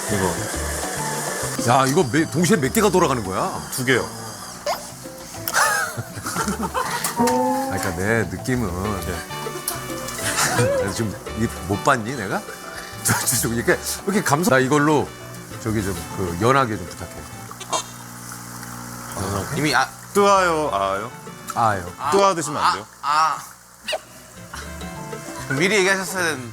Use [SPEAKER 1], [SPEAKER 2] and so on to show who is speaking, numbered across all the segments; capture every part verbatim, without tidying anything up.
[SPEAKER 1] 이거
[SPEAKER 2] 야, 이거 매, 동시에 몇 개가 돌아가는 거야?
[SPEAKER 1] 두 개요.
[SPEAKER 2] 아, 그러니까 내 느낌은 내가 지금 못 봤니 내가? 저, 저, 저, 이렇게 이렇게 감사. 나 이걸로 저기 좀 그 연하게 좀 부탁해.
[SPEAKER 3] 이미 아,
[SPEAKER 1] 뜨아요, 아요?
[SPEAKER 2] 아요.
[SPEAKER 1] 뜨아 드시면 안 돼요?
[SPEAKER 3] 아. 미리 얘기하셨어야 되는.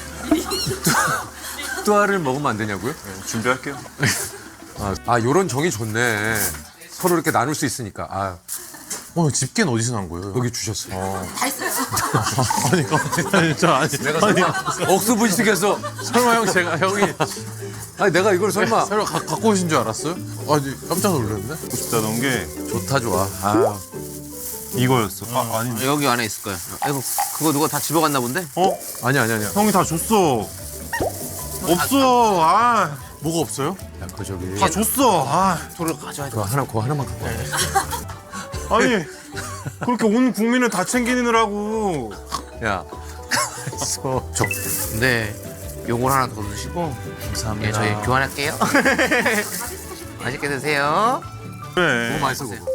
[SPEAKER 2] 뚜아를 먹으면 안 되냐고요?
[SPEAKER 1] 네, 준비할게요.
[SPEAKER 2] 아, 아, 요런 정이 좋네. 서로 이렇게 나눌 수 있으니까. 아,
[SPEAKER 4] 어, 집게는 어디서 난 거예요?
[SPEAKER 2] 여기 주셨어요.
[SPEAKER 5] 다 있어요.
[SPEAKER 4] 아니, 아니, 저 아니, 아니,
[SPEAKER 2] 억수분식해서
[SPEAKER 4] 설마 형 제가 형이
[SPEAKER 2] 아니 내가 이걸 설마
[SPEAKER 4] 설마 가, 갖고 오신 줄 알았어요? 아니, 깜짝 놀랐네.
[SPEAKER 1] 싶다던 게
[SPEAKER 2] 좋다 좋아. 아,
[SPEAKER 1] 이거였어. 아, 아니.
[SPEAKER 3] 여기 안에 있을 거예요. 아이고, 그거 누가 다 집어갔나 본데?
[SPEAKER 1] 어?
[SPEAKER 2] 아니 아니 아니야.
[SPEAKER 1] 형이 다 줬어. 없어. 아,
[SPEAKER 4] 뭐가 없어요?
[SPEAKER 2] 야, 그 저기
[SPEAKER 1] 다 줬어. 아,
[SPEAKER 3] 돌을 가져야 돼.
[SPEAKER 2] 그거 하나 그거 하나만 갖고 와.
[SPEAKER 1] 아니. 그렇게 온 국민을 다 챙기느라고.
[SPEAKER 2] 야, 있어. 저
[SPEAKER 3] 네. 요걸 하나 더 드시고.
[SPEAKER 4] 감사합니다.
[SPEAKER 3] 예, 저희 교환할게요. 맛있게 드세요.
[SPEAKER 1] 그래.
[SPEAKER 2] 너무 맛있어 그거.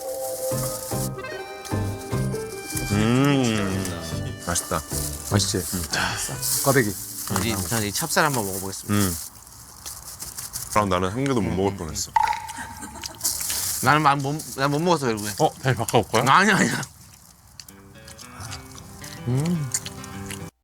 [SPEAKER 1] 음. 맛있다.
[SPEAKER 2] 맛있지? 꽈배기.
[SPEAKER 3] 이, 저는 이 찹쌀 한번 먹어보겠습니다.
[SPEAKER 1] 음. 그럼 나는 한 개도 못 먹을 뻔했어.
[SPEAKER 3] 나는 만 못, 난못 먹었어, 결국에.
[SPEAKER 4] 어, 다시 바꿔볼까요?
[SPEAKER 3] 아니야, 아니야.
[SPEAKER 2] 음.